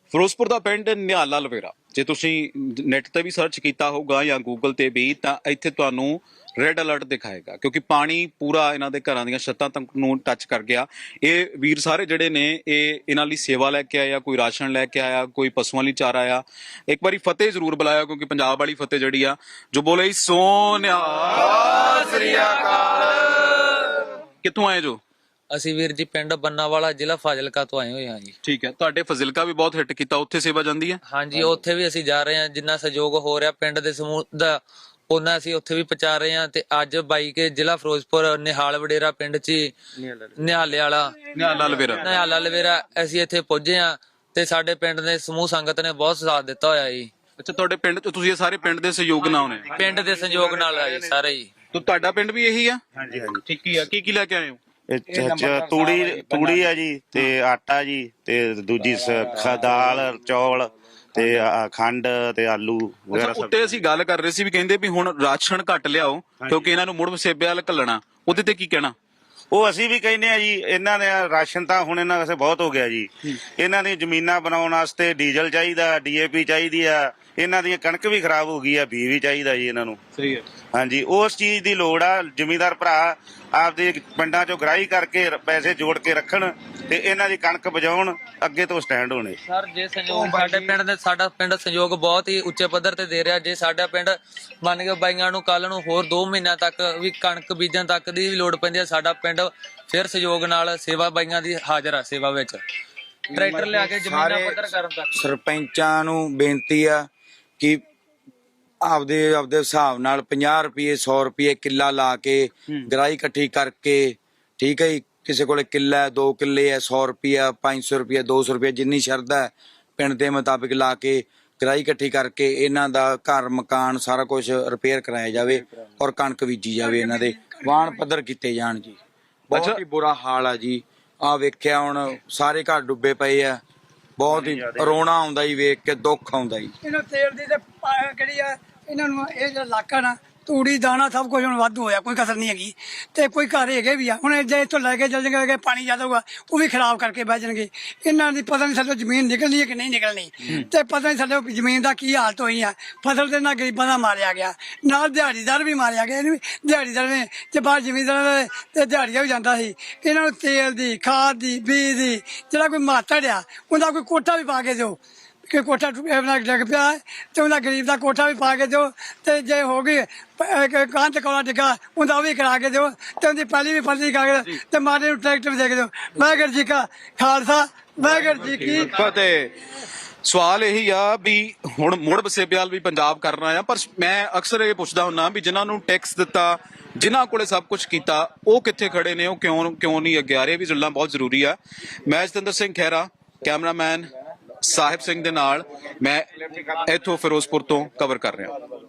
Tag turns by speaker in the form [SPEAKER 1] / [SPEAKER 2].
[SPEAKER 1] ਫਿਰੋਜ਼ਪੁਰ ਦਾ ਪਿੰਡ ਨਿਹਾਲਾ ਲਵੇਰਾ ਜੇ ਤੁਸੀਂ ਨੈਟ ਤੇ ਵੀ ਸਰਚ ਕੀਤਾ ਹੋਊਗਾ ਜਾਂ ਗੂਗਲ ਤੇ ਵੀ ਤਾਂ ਇੱਥੇ ਤੁਹਾਨੂੰ ਰੈੱਡ ਅਲਰਟ ਦਿਖਾਏਗਾ ਕਿਉਂਕਿ ਪਾਣੀ ਪੂਰਾ ਇਹਨਾਂ ਦੇ ਘਰਾਂ ਦੀਆਂ ਛੱਤਾਂ ਤੱਕ ਨੂੰ ਟੱਚ ਕਰ ਗਿਆ। ਇਹ ਵੀਰ ਸਾਰੇ ਜਿਹੜੇ ਨੇ ਇਹ ਇਹਨਾਂ ਲਈ ਸੇਵਾ ਲੈ ਕੇ ਆਇਆ, ਕੋਈ ਰਾਸ਼ਨ ਲੈ ਕੇ ਆਇਆ, ਕੋਈ ਪਸ਼ੂਆਂ ਲਈ ਚਾਰਾ ਆਇਆ। ਇੱਕ ਵਾਰੀ ਫਤਿਹ ਜ਼ਰੂਰ ਬੁਲਾਇਆ ਕਿਉਂਕਿ ਪੰਜਾਬ ਵਾਲੀ ਫਤਿਹ ਜਿਹੜੀ ਆ ਜੋ ਬੋਲੇ ਸੋਨਿਆ ਸ੍ਰੀ ਅਕਾਲ। ਕਿੱਥੋਂ ਆਏ ਜੋ?
[SPEAKER 2] ਅਸੀਂ ਵੀਰ ਜੀ ਪਿੰਡ ਬੰਨਾਵਾਲਾ ਜ਼ਿਲ੍ਹਾ ਫਾਜ਼ਿਲਕਾ ਤੋਂ ਆਏ ਹੋਏ ਹਾਂ ਜੀ।
[SPEAKER 1] ਠੀਕ ਹੈ, ਤੁਹਾਡੇ ਫਜ਼ਿਲਕਾ ਵੀ ਬਹੁਤ ਹਿੱਟ ਕੀਤਾ, ਉੱਥੇ ਸੇਵਾ ਜਾਂਦੀ ਹੈ?
[SPEAKER 2] ਹਾਂਜੀ, ਉੱਥੇ ਵੀ ਅਸੀਂ ਜਾ ਰਹੇ ਹਾਂ, ਜਿੰਨਾ ਸਹਿਯੋਗ ਹੋ ਰਿਹਾ ਪਿੰਡ ਦੇ ਸਮੂਹ ਦਾ ਉਹਨਾਂ ਅਸੀਂ ਉੱਥੇ ਵੀ ਪਹੁੰਚਾ ਰਹੇ ਹਾਂ। ਤੇ ਅੱਜ ਬਾਈ ਕੇ ਜ਼ਿਲ੍ਹਾ ਫਿਰੋਜ਼ਪੁਰ ਨਿਹਾਲ ਵਡੇਰਾ ਪਿੰਡ 'ਚ ਨਿਹਾਲਾ ਲਵੇਰਾ ਅਸੀਂ ਇੱਥੇ ਪਹੁੰਚੇ ਹਾਂ ਤੇ ਸਾਡੇ ਪਿੰਡ ਦੇ ਸਮੂਹ ਸੰਗਤ ਨੇ ਬਹੁਤ ਸਾਥ ਦਿੱਤਾ ਹੋਇਆ ਜੀ।
[SPEAKER 1] ਅੱਛਾ, ਤੁਹਾਡੇ ਪਿੰਡ 'ਚ ਤੁਸੀਂ ਇਹ ਸਾਰੇ ਪਿੰਡ ਦੇ ਸਹਿਯੋਗ ਨਾਲ ਆਉਣੇ?
[SPEAKER 2] ਪਿੰਡ ਦੇ ਸਹਿਯੋਗ ਨਾਲ ਆ ਜੀ ਸਾਰੇ ਜੀ।
[SPEAKER 1] ਤਾਂ ਤੁਹਾਡਾ ਪਿੰਡ ਵੀ ਇਹੀ ਆ?
[SPEAKER 3] ਹਾਂਜੀ ਹਾਂਜੀ
[SPEAKER 1] ਠੀਕ ਹੀ ਆ। ਕੀ ਲੈ ਕੇ ਆਏ ਹੋ?
[SPEAKER 3] ਤੂੜੀ ਆ ਜੀ ਤੇ ਆਟਾ ਜੀ ਤੇ ਦੂਜੀ ਦਾਲ ਚੌਲ ਤੇ ਖੰਡ ਤੇ ਆਲੂ ਵਗੈਰਾ ਸਭ।
[SPEAKER 1] ਉੱਤੇ ਅਸੀਂ ਗੱਲ ਕਰ ਰਹੇ ਸੀ ਵੀ ਕਹਿੰਦੇ ਵੀ ਹੁਣ ਰਾਸ਼ਨ ਘੱਟ ਲਿਆਓ ਕਿਉਂਕਿ ਇਹਨਾਂ ਨੂੰ ਮੁੜ ਮਸੇਬੇ ਵਾਲ ਘੱਲਣਾ, ਉਹਦੇ ਤੇ ਕੀ ਕਹਿਣਾ?
[SPEAKER 3] ਉਹ ਅਸੀਂ ਵੀ ਕਹਿੰਦੇ ਆ ਜੀ, ਇਹਨਾਂ ਦੇ ਰਾਸ਼ਨ ਤਾਂ ਹੁਣ ਇਹਨਾਂ ਵਾਸਤੇ ਬਹੁਤ ਹੋ ਗਿਆ ਜੀ। ਇਹਨਾਂ ਦੀ ਜ਼ਮੀਨਾਂ ਬਣਾਉਣ ਵਾਸਤੇ ਡੀਜ਼ਲ ਚਾਹੀਦਾ, ਡੀਏਪੀ ਚਾਹੀਦੀ ਆ, ਇਹਨਾਂ ਦੀਆਂ ਕਣਕ ਵੀ ਖਰਾਬ ਹੋ ਗਈ ਆ, ਬੀ ਵੀ ਚਾਹੀਦਾ ਜੀ ਇਹਨਾਂ ਨੂੰ।
[SPEAKER 1] ਸਹੀ ਹੈ।
[SPEAKER 3] ਹਾਂਜੀ, ਉਸ ਚੀਜ਼ ਦੀ ਲੋੜ ਆ। ਜ਼ਿਮੀਂਦਾਰ ਭਰਾ ਆਪਦੇ ਪਿੰਡਾਂ ਚੋਂ ਗ੍ਰਾਹੀ ਕਰਕੇ ਪੈਸੇ ਜੋੜ ਕੇ ਰੱਖਣ ਤੇ ਇਹਨਾਂ ਦੀ ਕਣਕ ਬਚਾਉਣ, ਅੱਗੇ ਤੋਂ ਸਟੈਂਡ ਹੋਣੇ।
[SPEAKER 2] ਸਰ ਜੇ ਸਹਿਯੋਗ ਸਾਡੇ ਪਿੰਡ ਦੇ ਸਾਡਾ ਪਿੰਡ ਸਹਿਯੋਗ ਬਹੁਤ ਹੀ ਉੱਚੇ ਪੱਧਰ ਤੇ ਦੇ ਰਿਹਾ। ਜੇ ਸਾਡਾ ਪਿੰਡ ਮੰਨ ਕੇ ਬਾਈਆਂ ਨੂੰ ਕੱਲ ਨੂੰ ਹੋਰ 2 ਮਹੀਨਿਆਂ ਤੱਕ ਵੀ ਕਣਕ ਬੀਜਣ ਤੱਕ ਦੀ ਵੀ ਲੋੜ ਪੈਂਦੀ ਹੈ, ਸਾਡਾ ਪਿੰਡ ਫਿਰ ਸਹਿਯੋਗ ਨਾਲ ਸੇਵਾ ਬਾਈਆਂ ਦੀ ਹਾਜ਼ਰ ਆ ਸੇਵਾ ਵਿੱਚ। ਟਰੈਕਟਰ ਲਿਆ ਕੇ ਜ਼ਮੀਨਾਂ ਪੱਧਰ ਕਰਨ ਤੱਕ
[SPEAKER 4] ਸਰਪੰਚਾਂ ਨੂੰ ਬੇਨਤੀ ਆ ਕਿ ਆਪਦੇ ਹਿਸਾਬ ਨਾਲ 50 ਰੁਪਏ 100 ਰੁਪਏ ਕਿੱਲਾ ਲਾ ਕੇ ਗਰਾਈ ਇਕੱਠੀ ਕਰਕੇ, ਠੀਕ ਹੈ ਜੀ, ਕਿਸੇ ਕੋਲੇ ਕਿੱਲਾ 2 ਕਿੱਲੇ ਹੈ, 100 ਰੁਪਇਆ 500 ਰੁਪਇਆ 200 ਰੁਪਇਆ ਜਿੰਨੀ ਸ਼ਰਧਾ ਹੈ ਪਿੰਡ ਦੇ ਮੁਤਾਬਿਕ ਲਾ ਕੇ ਗਰਾਈ ਇਕੱਠੀ ਕਰਕੇ ਇਹਨਾਂ ਦਾ ਘਰ ਮਕਾਨ ਸਾਰਾ ਕੁਝ ਰਿਪੇਅਰ ਕਰਾਇਆ ਜਾਵੇ ਔਰ ਕਣਕ ਬੀਜੀ ਜਾਵੇ, ਇਹਨਾਂ ਦੇ ਵਾਹਣ ਪੱਧਰ ਕੀਤੇ ਜਾਣ ਜੀ। ਬਹੁਤ ਹੀ ਬੁਰਾ ਹਾਲ ਆ ਜੀ। ਆ ਵੇਖਿਆ ਹੁਣ ਸਾਰੇ ਘਰ ਡੁੱਬੇ ਪਏ ਆ, ਬਹੁਤ ਹੀ ਰੋਣਾ ਆਉਂਦਾ ਜੀ, ਵੇਖ ਕੇ ਦੁੱਖ ਆਉਂਦਾ ਜੀ।
[SPEAKER 5] ਇਹਨਾਂ ਤੇਲ ਦੀ ਤੇ ਕਿਹੜੀ ਆ, ਇਹਨਾਂ ਨੂੰ ਇਹ ਜਿਹੜਾ ਇਲਾਕਾ ਨਾ ਤੂੜੀ ਦਾਣਾ ਸਭ ਕੁਝ ਹੁਣ ਵਾਧੂ ਹੋਇਆ, ਕੋਈ ਕਸਰ ਨਹੀਂ ਹੈਗੀ। ਤੇ ਕੋਈ ਘਰ ਹੈਗੇ ਵੀ ਆ, ਹੁਣ ਜੇ ਇੱਥੋਂ ਲੈ ਕੇ ਚੱਲ ਜਾਣਗੇ ਪਾਣੀ ਜ਼ਿਆਦਾ ਹੋਊਗਾ ਉਹ ਵੀ ਖਰਾਬ ਕਰਕੇ ਬਹਿ ਜਾਣਗੇ। ਇਹਨਾਂ ਦੀ ਪਤਾ ਨਹੀਂ ਸਾਡੇ ਜ਼ਮੀਨ ਨਿਕਲਣੀ ਹੈ ਕਿ ਨਹੀਂ ਨਿਕਲਣੀ, ਤੇ ਪਤਾ ਨਹੀਂ ਸਾਡੇ ਜ਼ਮੀਨ ਦਾ ਕੀ ਹਾਲਤ ਹੋਈ ਆ। ਫਸਲ ਤੇ ਨਾ ਗਰੀਬਾਂ ਦਾ ਮਾਰਿਆ ਗਿਆ, ਨਾਲ ਦਿਹਾੜੀਦਾਰ ਵੀ ਮਾਰਿਆ ਗਿਆ। ਇਹਨੂੰ ਦਿਹਾੜੀਦਾਰ ਨੇ ਜੇ ਬਾਹਰ ਜ਼ਮੀਨਦਾਰ ਤੇ ਦਿਹਾੜੀਆਂ ਵੀ ਜਾਂਦਾ ਸੀ। ਇਹਨਾਂ ਨੂੰ ਤੇਲ ਦੀ, ਖਾਦ ਦੀ, ਬੀਜ ਦੀ ਜਿਹੜਾ ਕੋਈ ਮਾਤੜ ਆ ਉਹਦਾ ਕੋਈ ਕੋਠਾ ਵੀ ਪਾ ਕੇ ਦਿਓ ਕਿ ਕੋਠਾ ਡਿੱਗ ਪਿਆ ਤੇ ਉਹਦਾ ਗਰੀਬ ਦਾ ਕੋਠਾ ਵੀ ਪਾ ਕੇ ਦਿਓ। ਤੇ ਜੇ ਹੋ ਗਈ ਕੰਧ ਕੋਲਾ ਡਿੱਗਾ ਉਹਦਾ ਉਹ ਵੀ ਕਰਾ ਕੇ ਦਿਓ ਤੇ ਉਹਦੀ ਪਹਿਲੀ ਵੀ ਫਸਲੀ ਕਰਾ ਕੇ ਤੇ ਮਾਰੇ ਨੂੰ ਟਰੈਕਟਰ ਵੀ ਦੇ ਕੇ ਦਿਓ। ਵਾਹਿਗੁਰੂ ਜੀ ਕਾ ਖਾਲਸਾ, ਵਾਹਿਗੁਰੂ ਜੀ ਕੀ
[SPEAKER 1] ਫਤਿਹ। ਸਵਾਲ ਇਹੀ ਆ ਵੀ ਹੁਣ ਮੁੜ ਵਸੇਬਿਆਲ ਵੀ ਪੰਜਾਬ ਕਰਨਾ ਆ, ਪਰ ਮੈਂ ਅਕਸਰ ਇਹ ਪੁੱਛਦਾ ਹੁੰਨਾ ਵੀ ਜਿਨ੍ਹਾਂ ਨੂੰ ਟੈਕਸ ਦਿੱਤਾ, ਜਿਨ੍ਹਾਂ ਕੋਲੇ ਸਭ ਕੁਝ ਕੀਤਾ, ਉਹ ਕਿੱਥੇ ਖੜੇ ਨੇ? ਉਹ ਕਿਉਂ ਨਹੀਂ ਅੱਗੇ ਆ ਰਹੇ? ਵੀ ਜੁੜਨਾ ਬਹੁਤ ਜ਼ਰੂਰੀ ਆ। ਮੈਂ ਜਤਿੰਦਰ ਸਿੰਘ ਖਹਿਰਾ, ਕੈਮਰਾਮੈਨ ਸਾਹਿਬ ਸਿੰਘ ਦੇ ਨਾਲ, ਮੈਂ ਇੱਥੋਂ ਫਿਰੋਜ਼ਪੁਰ ਤੋਂ ਕਵਰ ਕਰ ਰਿਹਾ।